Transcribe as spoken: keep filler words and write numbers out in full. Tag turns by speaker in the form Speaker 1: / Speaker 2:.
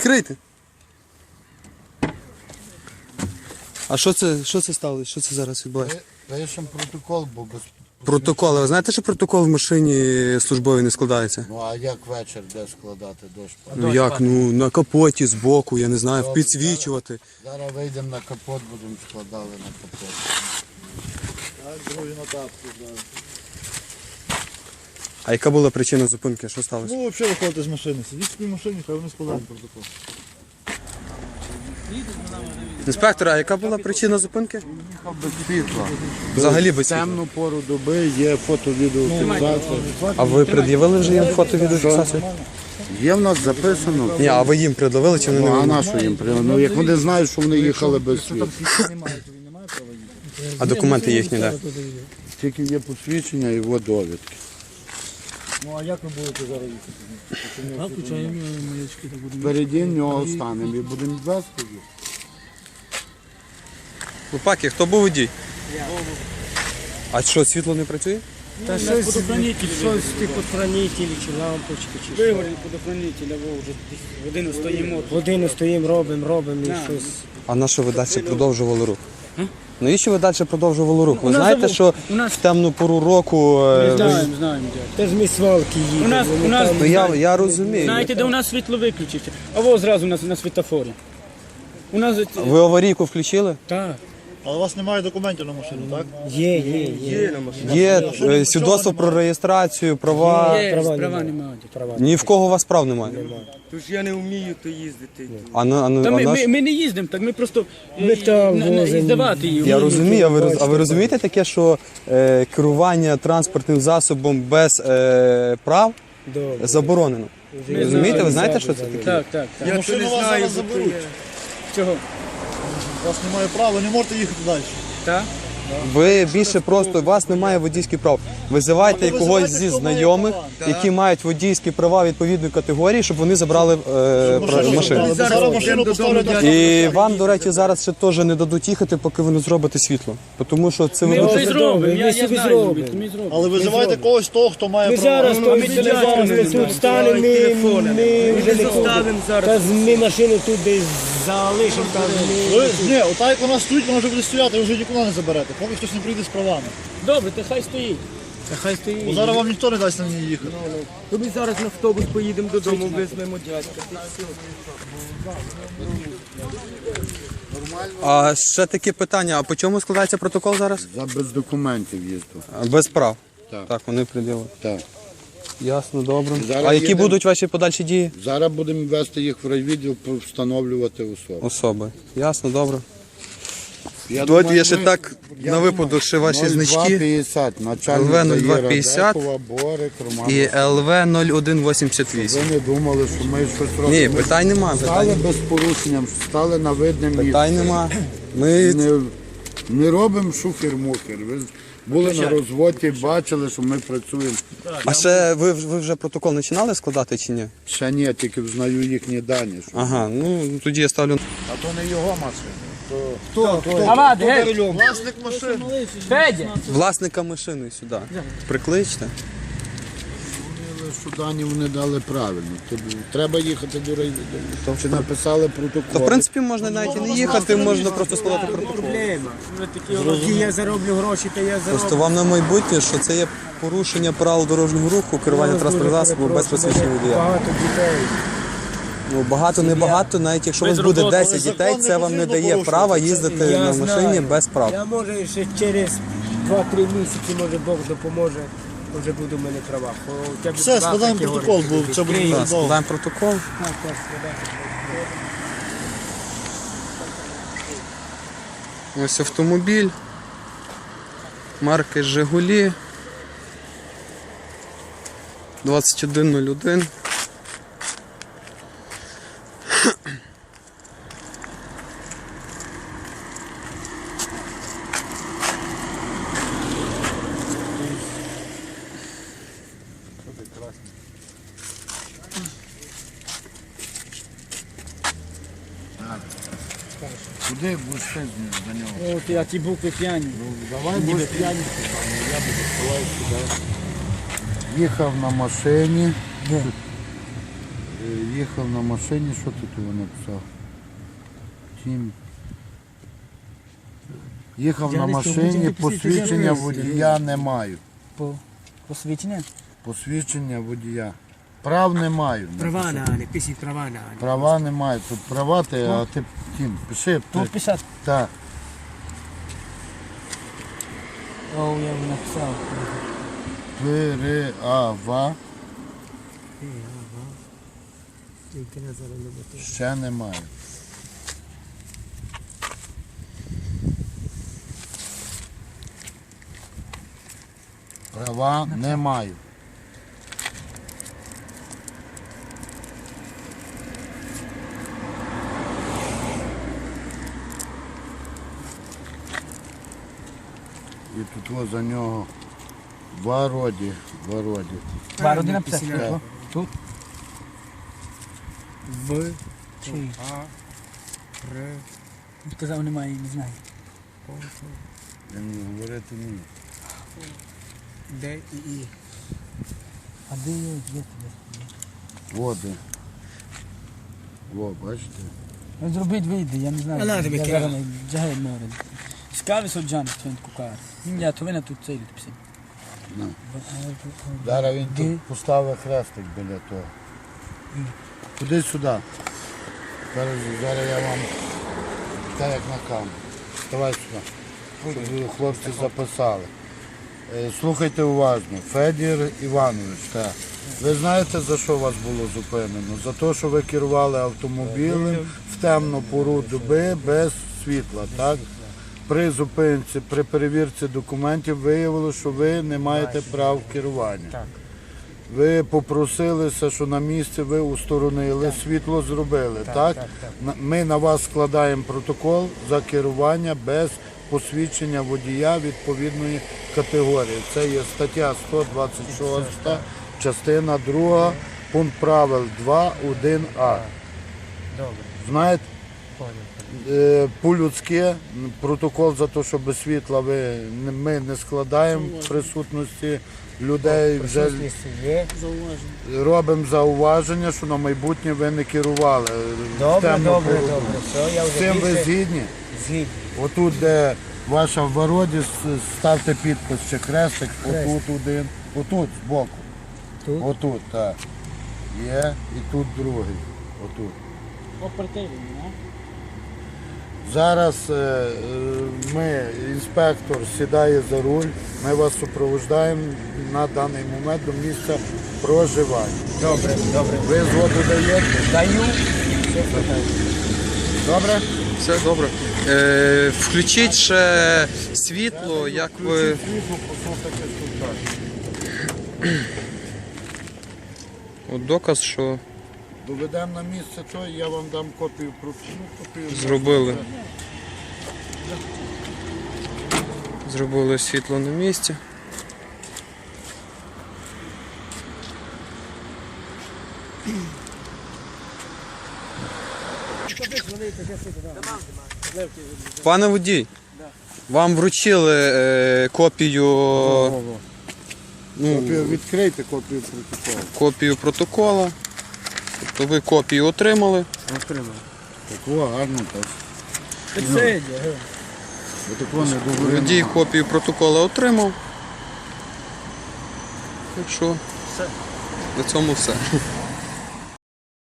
Speaker 1: Відкрийте. А що це, що це сталося? Що це зараз відбувається?
Speaker 2: Пишемо протокол, бо без...
Speaker 1: Протокол. Ви знаєте, що протокол в машині службовій не складається?
Speaker 2: Ну а як вечір де складати дощ?
Speaker 1: Ну як, ну на капоті, збоку, я не знаю, підсвічувати.
Speaker 2: Зараз вийдемо на капот, будемо складали на капот. Так, другий на тапку, так.
Speaker 1: А яка була причина зупинки? Що сталося?
Speaker 3: Ну, взагалі виходити з машини. Сидіть в своїй машині, хай вони складають протокол.
Speaker 1: Інспектор, а яка була причина зупинки?
Speaker 2: Їхав без світла.
Speaker 1: Взагалі без світла.
Speaker 2: Темну пору доби є фото-відеофіксація.
Speaker 1: А ви пред'явили вже їм фото-відеофіксацію?
Speaker 2: Є в нас записано.
Speaker 1: Ні, а ви їм пред'явили чи вони не
Speaker 2: Ну, а
Speaker 1: вимогли?
Speaker 2: на що їм прямо? Ну, як вони знають, що вони їхали без світла.
Speaker 1: А документи їхні, де?
Speaker 2: Тільки є посвідчення і його довідки.
Speaker 3: Ну, а як ви будете зараз їхати? Так, включаємо маячки, так будемо.
Speaker 2: Впереді нього станемо і будемо вести їх.
Speaker 1: Лупаки, хто був водій? Я. А що, світло не працює?
Speaker 4: Та щось, щось типу хранителі чи лампочки, чи що.
Speaker 5: Вигорів подохранителя, во вже годину стоїмо.
Speaker 4: Годину стоїмо, робимо, робимо і щось.
Speaker 1: А на що ви далі продовжували рух? Навіщо ви далі продовжували рух? Ви
Speaker 5: У нас
Speaker 1: знаєте,
Speaker 5: забув-
Speaker 1: що
Speaker 5: у нас-
Speaker 1: в темну пору року... е, ви-
Speaker 5: Знаємо, знаємо, дядь.
Speaker 4: Та ж ми свалки їдемо.
Speaker 5: У нас, у нас,
Speaker 1: Ну я, я розумію.
Speaker 5: знаєте, де у нас світло виключиться? А во зразу на, на світофорі. У нас,
Speaker 1: Ви аварійку включили?
Speaker 5: так.
Speaker 3: Але у вас немає документів на машину, так?
Speaker 4: Є, є, є.
Speaker 1: Є е, свідоцтво про реєстрацію, права.
Speaker 5: Є,
Speaker 4: права
Speaker 5: права
Speaker 4: немає.
Speaker 5: немає.
Speaker 4: Права.
Speaker 1: Ні в кого у вас прав немає.
Speaker 6: Тож я не вмію то їздити.
Speaker 1: А на, а на,
Speaker 5: Та
Speaker 1: а
Speaker 5: ми,
Speaker 1: на
Speaker 5: ми,
Speaker 1: що?
Speaker 5: ми не їздимо, так ми просто
Speaker 4: Ми там
Speaker 5: на- на-
Speaker 4: возимо.
Speaker 5: здавати її.
Speaker 1: Я розумію, а ви, роз- а ви розумієте таке, що е, керування транспортним засобом без е, прав
Speaker 4: Добре.
Speaker 1: заборонено?
Speaker 5: Ми
Speaker 1: Розумієте, ви
Speaker 5: знаємо.
Speaker 1: знаєте, що це таке?
Speaker 5: Так, так, так.
Speaker 6: Я то
Speaker 3: Машину
Speaker 6: не
Speaker 3: вас
Speaker 6: знаю,
Speaker 3: зараз
Speaker 6: бо то
Speaker 3: заберуть.
Speaker 6: є.
Speaker 5: Чого?
Speaker 3: У вас немає права, ви не можете їхати далі.
Speaker 5: Так?
Speaker 1: Ви більше просто, у вас немає водійських прав. Визивайте
Speaker 3: Ну,
Speaker 1: когось
Speaker 3: визивайте,
Speaker 1: зі
Speaker 3: хто має
Speaker 1: знайомих,
Speaker 3: права.
Speaker 1: які мають водійські права відповідної категорії, щоб вони забрали е, пра- машину.
Speaker 3: Бо зараз машину поставлять на
Speaker 1: І вам, до речі, зараз ще теж не дадуть їхати, поки ви не зробите світло. Тому що це
Speaker 5: Ми
Speaker 1: ви...
Speaker 5: вже
Speaker 4: Добре,
Speaker 5: зробимо,
Speaker 4: добре,
Speaker 5: я,
Speaker 4: ми
Speaker 5: я
Speaker 4: собі
Speaker 5: знаю,
Speaker 4: зробимо.
Speaker 5: ми зробимо.
Speaker 3: Але визивайте когось того, хто має
Speaker 4: Ми
Speaker 3: права.
Speaker 4: зараз,
Speaker 5: Ну,
Speaker 4: то
Speaker 5: ми
Speaker 4: ми
Speaker 5: телефони
Speaker 4: зараз ми
Speaker 5: не
Speaker 4: тут
Speaker 5: знаємо.
Speaker 4: станемо, ми,
Speaker 6: Телефони.
Speaker 4: ми вже не
Speaker 6: заставимо
Speaker 4: ходимо.
Speaker 6: зараз.
Speaker 4: Та з- ми машину тут десь залишимо, там ми...
Speaker 3: Ви, ні, ота як вона стоїть, вона вже буде стояти, ви вже нікуди не заберете, поки хтось не прийде з правами.
Speaker 5: Добре, то хай стоїть. Та хай стоїть.
Speaker 3: Бо зараз вам ніхто не дасть на ній їхати.
Speaker 6: То ми зараз на автобус поїдемо додому, візьмемо дядька.
Speaker 1: А ще таке питання, а по чому складається протокол зараз?
Speaker 2: За без документів їздив.
Speaker 1: А, без прав.
Speaker 2: Так.
Speaker 1: Так, вони приділили.
Speaker 2: Так.
Speaker 1: Ясно, добре.
Speaker 2: Зараз
Speaker 1: А які
Speaker 2: їдемо.
Speaker 1: будуть ваші подальші дії?
Speaker 2: Зараз будемо вести їх в райвідділ, встановлювати особу.
Speaker 1: Особи. Ясно, добре.
Speaker 2: Я
Speaker 1: Тут
Speaker 2: думаю,
Speaker 1: є ще
Speaker 2: ми-
Speaker 1: так,
Speaker 2: я
Speaker 1: на випадок, ще ваші
Speaker 2: нуль два
Speaker 1: значки.
Speaker 2: п'ятдесят, начальник
Speaker 1: ЛВ нуль два
Speaker 2: Заїра
Speaker 1: п'ятдесят
Speaker 2: Декова, Борик, Роман.
Speaker 1: І ел ве нуль один вісімдесят вісім.
Speaker 2: Ви не думали, що ми щось робимо.
Speaker 1: Ні,
Speaker 2: Ми
Speaker 1: питань нема,
Speaker 2: Стали
Speaker 1: питань,
Speaker 2: без порушенням, стали на видне місце.
Speaker 1: питань нема. Ми
Speaker 2: Не, не робимо шухер-мухер. Ви були на розводі, бачили, що ми працюємо.
Speaker 1: А ще ви, ви вже протокол починали складати чи ні?
Speaker 2: Ще ні, тільки взнаю їхні дані. Що...
Speaker 1: Ага, ну тоді я ставлю.
Speaker 3: А то не його машина.
Speaker 2: Хто? Хто?
Speaker 5: Ават, геть!
Speaker 3: Власник машини.
Speaker 5: Федя!
Speaker 1: Власника машини сюди. Прикличте.
Speaker 2: Що дані вони дали правильно. Тобі треба їхати до райвідділу. Чи написали протокол.
Speaker 1: То в принципі можна навіть і не їхати, можна просто складати протокол.
Speaker 4: Проблема. Ті я зароблю гроші, то я зароблю.
Speaker 1: Просто вам на майбутнє, що це є порушення правил дорожнього руху, керування транспортним засобом без посвідчення водія.
Speaker 4: Багато дітей.
Speaker 1: Ну багато, не багато, навіть якщо у вас буде десять дітей, це вам не дає права їздити
Speaker 4: Я
Speaker 1: на
Speaker 4: знаю.
Speaker 1: машині без прав.
Speaker 4: Я може ще через два-три місяці, може Бог допоможе, вже буду в мене права. Хоча б
Speaker 3: Все,
Speaker 4: два
Speaker 3: складаємо
Speaker 4: категорії.
Speaker 3: протокол, бо це буде
Speaker 1: Так,
Speaker 3: дуже довго.
Speaker 1: складаємо протокол.
Speaker 4: Так, так, складайте.
Speaker 1: Ось автомобіль. Марки Жигулі. двадцять один нуль один.
Speaker 2: Куди будеш ти до нього?
Speaker 5: От я ті букви п'яні.
Speaker 2: Давай будеш п'яні. Я буду сховати сюди. Їхав на машині. Е, Їхав на машині, що ти тут написав? Тім. Їхав на
Speaker 5: Дядечко,
Speaker 2: машині,
Speaker 5: потім
Speaker 2: посвідчення
Speaker 5: ти
Speaker 2: водія не маю.
Speaker 5: По посвідчення?
Speaker 2: Посвідчення водія. Прав не маю.
Speaker 4: Права на не пишіть права на.
Speaker 2: Права не маю. Тут права ти, а ти тім, пиши.
Speaker 5: Тут
Speaker 2: ти-
Speaker 5: писати.
Speaker 2: Так.
Speaker 5: О, я вже написав.
Speaker 2: Переава
Speaker 4: Тільки не заробити.
Speaker 2: ще немає. Права не маю. І тут ось за нього вороді, вороді.
Speaker 5: Два роди написати.
Speaker 2: Так.
Speaker 5: О, Тут.
Speaker 4: В
Speaker 5: Чи?
Speaker 4: А Р
Speaker 5: Сказав, немає, не знаю.
Speaker 2: Він говорити не вміє.
Speaker 4: Д і І.
Speaker 5: А де є? Де ти?
Speaker 2: Води. Во, бачите?
Speaker 5: Ну, зробіть вийде, я не знаю.
Speaker 4: А надо
Speaker 5: Я
Speaker 4: таке.
Speaker 5: зараз не джагай море. Скави соджани, що він кукар. Я то вина тут цей писав.
Speaker 2: На. Зараз він
Speaker 5: Де?
Speaker 2: тут поставив хрестик біля того. Куди сюди? Зараз, зараз я вам так як на камеру. Давай сюди. Щоб ви, хлопці записали. Е, Слухайте уважно. Федір Іванович, так. Ви знаєте, за що вас було зупинено? За те, що ви керували автомобілем в темну пору доби без світла, так? При зупинці, при перевірці документів виявилося, що ви не маєте прав керування. Ви попросилися, що на місці ви усторонили, світло зробили, так? На- Ми на вас складаємо протокол за керування без посвідчення водія відповідної категорії. Це є стаття сто двадцять шість, частина друга, пункт правил два, один а.
Speaker 4: Добре.
Speaker 2: Знаєте? Е, По-людськи протокол за те, що без світла ви, не- ми не складаємо в присутності людей. Вже
Speaker 4: Присутність є.
Speaker 2: робимо зауваження, що на майбутнє ви не керували. в
Speaker 4: Добре,
Speaker 2: темну
Speaker 4: добре,
Speaker 2: пору.
Speaker 4: добре. Все, я
Speaker 2: З
Speaker 4: вже
Speaker 2: цим ви
Speaker 4: більше
Speaker 2: згідні?
Speaker 4: згідний.
Speaker 2: Отут, де ваша в вороді, с- ставте підпис чи хрестик, отут один, отут збоку.
Speaker 4: Тут?
Speaker 2: Отут, так. Є, і тут другий. Отут.
Speaker 5: Оперативний, не?
Speaker 2: Зараз е, е, ми, інспектор сідає за руль, ми вас супроводжуємо на даний момент до місця проживання.
Speaker 4: Добре, добре.
Speaker 2: Ви згоду даєте?
Speaker 4: Даю. Все хватає.
Speaker 2: Добре?
Speaker 1: Все добре. Е, включіть ще світло, як ви.
Speaker 2: Світло, послухайте тут.
Speaker 1: От доказ, що
Speaker 2: Доведемо на місце, то я вам дам копію про ну, копію.
Speaker 1: зробили. Зробили світло на місці. Пане водій, вам вручили е, копію, ну,
Speaker 2: Копію, відкрийте копію протоколу.
Speaker 1: копію протоколу. Тобто ви копію отримали.
Speaker 2: Отримав. Такого гарно так.
Speaker 5: Це є.
Speaker 2: Отакого не договорено.
Speaker 1: Водій копію протоколу отримав. Так що на цьому все.